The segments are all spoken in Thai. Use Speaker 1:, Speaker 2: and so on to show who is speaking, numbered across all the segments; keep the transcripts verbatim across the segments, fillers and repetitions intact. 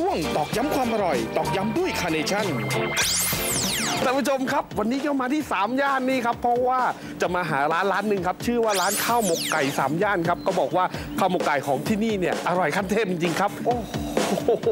Speaker 1: ช่วงตอกย้ำความอร่อยตอกย้ำด้วยคาร์เนชั่นท่านผู้ชมครับวันนี้ก็มาที่สามย่านนี่ครับเพราะว่าจะมาหาร้านร้านหนึ่งครับชื่อว่าร้านข้าวหมกไก่สามย่านครับก็บอกว่าข้าวหมกไก่ของที่นี่เนี่ยอร่อยขั้นเทพจริงๆครับโอ้โห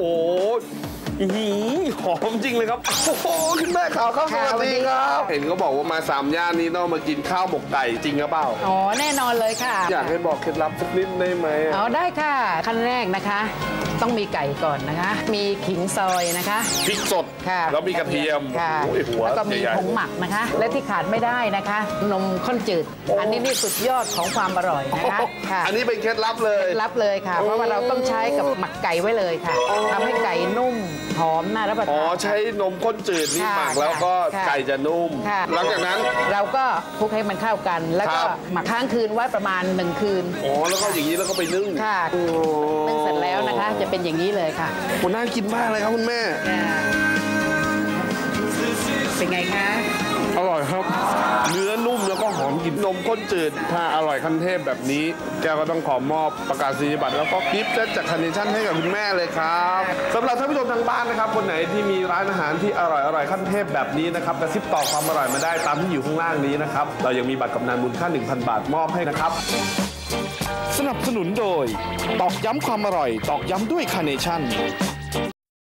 Speaker 1: หอมจริงเลยครับโอ้โหคุณแม่ข่าวข้าวสวัสดีครับเห็นเขาบอกว่ามาสามย่านนี้ต้องมากินข้าวหมกไก่จริงหรือเปล่า
Speaker 2: อ๋อแน่นอนเลยค่ะ
Speaker 1: อยากให้บอกเคล็ดลับสักนิดได้ไหม
Speaker 2: อ๋อได้ค่ะขั้นแรกนะคะต้องมีไก่ก่อนนะคะมีขิงซอยนะคะ
Speaker 1: พริกสด
Speaker 2: ค่ะ
Speaker 1: แล้วมีกระเทียม
Speaker 2: ค่ะแล้วก็มีผงหมักนะคะและที่ขาดไม่ได้นะคะนมข้นจืดอันนี้นี่สุดยอดของความอร่อยนะคะ
Speaker 1: อันนี้เป็นเคล็ดลับเลย
Speaker 2: เคล็ดลับเลยค่ะเพราะว่าเราต้องใช้กับหมักไก่ไว้เลยค่ะทำให้ไก่นุ่มหอมน่ารับประทาน
Speaker 1: อ๋อใช้นมข้นจืดนี่หมักแล้วก็ไก่จะนุ่มหลังจากนั้น
Speaker 2: เราก็คลุกให้มันเข้ากันแล้วก็หมักค้างคืนไว้ประมาณหนึ่งคืน
Speaker 1: อ๋อแล้วก็อย่างนี้แล้วก็ไปนึ่ง
Speaker 2: ค่ะนึ่งเสร็จแล้วนะคะจะเป็นอย่างนี้เลยค่ะ
Speaker 1: โหน่ากินมากเลยครับคุณแม่
Speaker 2: เป็นไงคะ
Speaker 1: อร่อยครับเนื้อนุ่มแล้วก็หอมกลิ่นนมข้นจืดถ้าอร่อยขั้นเทพแบบนี้แกก็ต้องขอมอบประกาศนียบัตรแล้วก็กิฟต์เซตจากคาร์เนชั่นให้กับคุณแม่เลยครับสำหรับท่านผู้ชมทางบ้านนะครับคนไหนที่มีร้านอาหารที่อร่อยอร่อยขั้นเทพแบบนี้นะครับกระซิบต่อความอร่อยมาได้ตามที่อยู่ข้างล่างนี้นะครับเรายังมีบัตรกำนันมูลค่า หนึ่งพัน บาทมอบให้นะครับสนับสนุนโดยตอกย้ำความอร่อยตอกย้ำด้วยคาร์เนชั่น